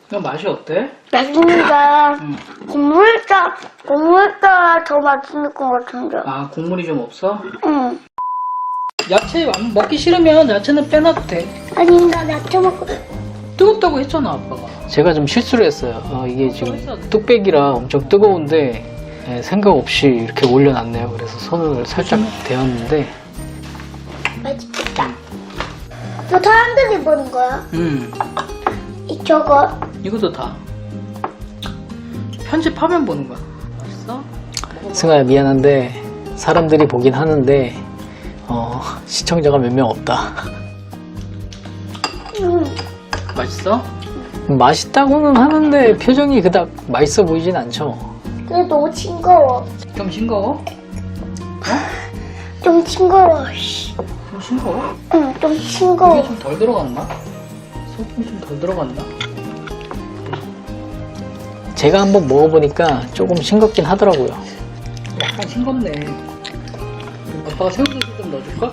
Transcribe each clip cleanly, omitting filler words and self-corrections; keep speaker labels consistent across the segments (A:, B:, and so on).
A: 이거 맛이 어때?
B: 맛있는데 국물가 더 맛있는 것 같은데.
A: 아, 국물이 좀 없어?
B: 응.
A: 야채 먹기 싫으면 야채는 빼놔도 돼.
B: 아니 나 야채 먹고.
A: 뜨겁다고 했잖아, 아빠가. 제가 좀 실수를 했어요. 이게 지금 뚝배기라 엄청 뜨거운데 생각 없이 이렇게 올려놨네요. 그래서 손을 살짝 데웠는데.
B: 맛있겠다. 너 사람들이 보는 거야? 저거.
A: 이것도 다 편집하면 보는 거야. 맛있어? 승아야, 미안한데 사람들이 보긴 하는데 시청자가 몇 명 없다. 맛있어?
B: 맛있다고는
A: 하는데 표정이 그닥 맛있어 보이진 않죠.
B: 근데 너무 싱거워.
A: 좀 싱거워?
B: 좀 싱거워.
A: 좀 싱거워?
B: 응, 좀 싱거워.
A: 이게 좀 덜 들어갔나? 소금 좀 덜 들어갔나? 제가 한번 먹어보니까 조금 싱겁긴 하더라고요. 약간 싱겁네. 아빠가 새우젓을 좀 넣어줄까?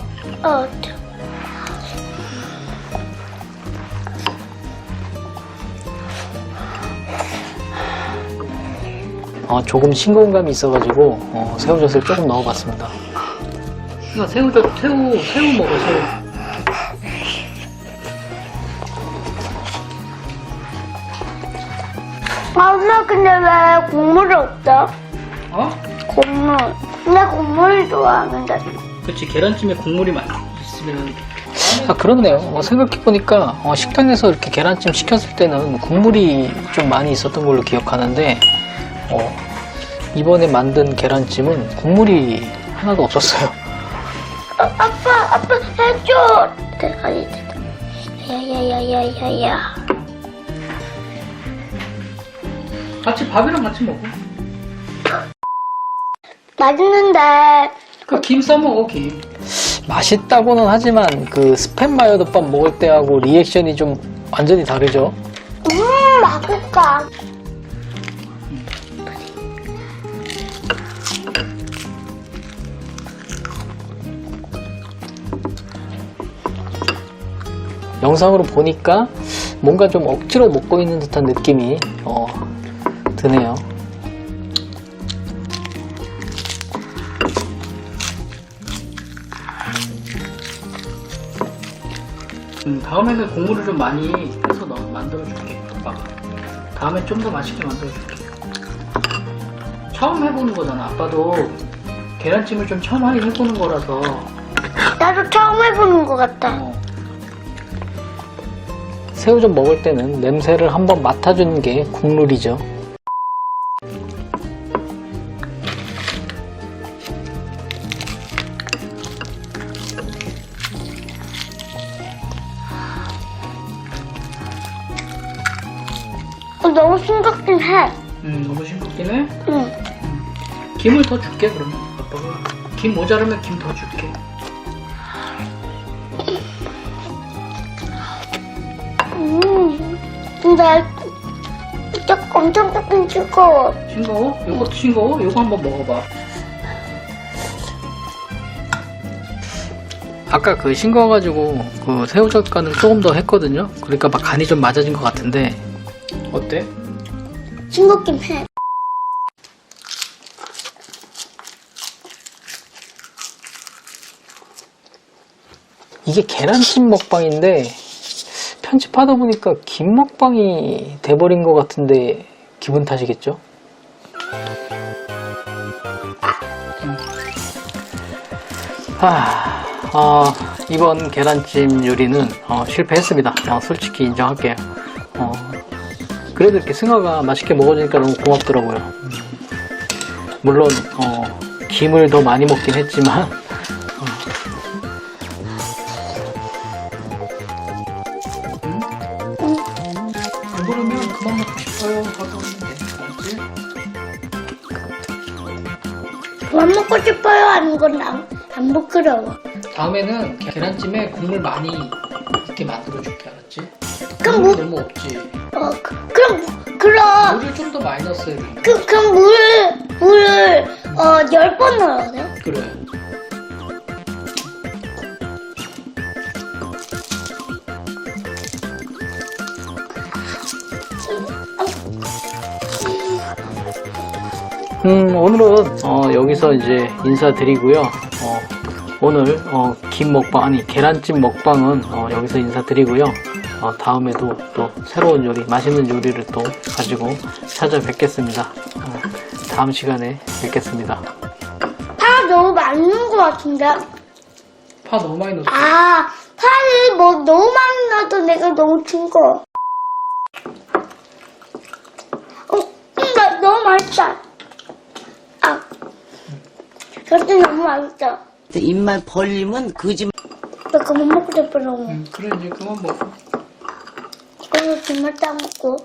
A: 조금 싱거운 감이 있어가지고 새우젓을 조금 넣어봤습니다. 새우 먹어, 새우.
B: 엄마 근데 왜 국물이 없어? 국물. 나 국물을 좋아하는데.
A: 그치, 계란찜에 국물이 많이 있으면. 그렇네요. 생각해보니까 식당에서 이렇게 계란찜 시켰을 때는 국물이 좀 많이 있었던 걸로 기억하는데 이번에 만든 계란찜은 국물이 하나도 없었어요.
B: 아빠 해줘. 아니, 야야야야야야.
A: 밥이랑 같이 먹어.
B: 맛있는데.
A: 김 싸먹어, 김. 맛있다고는 하지만 스팸 마요덮밥 먹을 때하고 리액션이 좀 완전히 다르죠.
B: 맛있다.
A: 영상으로 보니까 뭔가 좀 억지로 먹고 있는 듯한 느낌이 드네요. 다음에는 국물을 좀 많이 해서 만들어줄게. 아빠가 다음에 좀 더 맛있게 만들어줄게. 처음 해보는 거잖아. 아빠도 계란찜을 좀 처음 하긴 해보는 거라서.
B: 나도 처음 해보는 것 같다.
A: 새우젓 먹을 때는 냄새를 한번 맡아주는 게 국룰이죠.
B: 너무 싱겁긴 해.
A: 너무 싱겁긴 해?
B: 응.
A: 김을 더 줄게, 그러면. 아빠가 김 모자르면 김 더 줄게.
B: 근데 엄청 조금 싱거워.
A: 싱거워? 이것도 싱거워? 이거 한번 먹어봐. 아까 싱거워가지고 새우젓 간을 조금 더 했거든요. 그러니까 막 간이 좀 맞아진 것 같은데 어때?
B: 싱겁긴 해.
A: 이게 계란찜 먹방인데 편집하다 보니까 김 먹방이 돼버린 것 같은데 기분 탓이겠죠? 이번 계란찜 요리는 실패했습니다. 솔직히 인정할게요. 그래도 이렇게 승아가 맛있게 먹어주니까 너무 고맙더라고요. 물론 김을 더 많이 먹긴 했지만 그러면 그만 먹고 싶어요 하고 하면 돼. 알았지?
B: 그만 먹고 싶어요 하는 건 안 부끄러워.
A: 다음에는 계란찜에 국물 많이 있게 만들어줄게. 알았지?
B: 그럼
A: 국물 너무 없지?
B: 그럼
A: 물을 좀 더 많이 넣었어야 돼.
B: 그럼 물을 10번 넣어야 돼요?
A: 그래. 오늘은 여기서 이제 인사드리고요. 오늘 김 먹방 아니 계란찜 먹방은 여기서 인사드리고요. 다음에도 또 새로운 요리, 맛있는 요리를 또 가지고 찾아뵙겠습니다. 다음 시간에 뵙겠습니다.
B: 파 너무 많은 것 같은데.
A: 파 너무 많이 넣었어.
B: 아, 파를 뭐 너무 많이 넣어도 내가 너무 징거. 너무 맛있다. 아, 저도 너무 맛있다.
C: 입만 벌리면 거짓말.
B: 나 그만 먹고 싶어서.
A: 그래 이제 그만 먹어.
B: 그래서 정말 딱 먹고.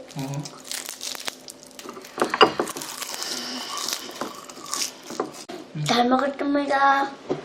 B: 잘 먹었습니다.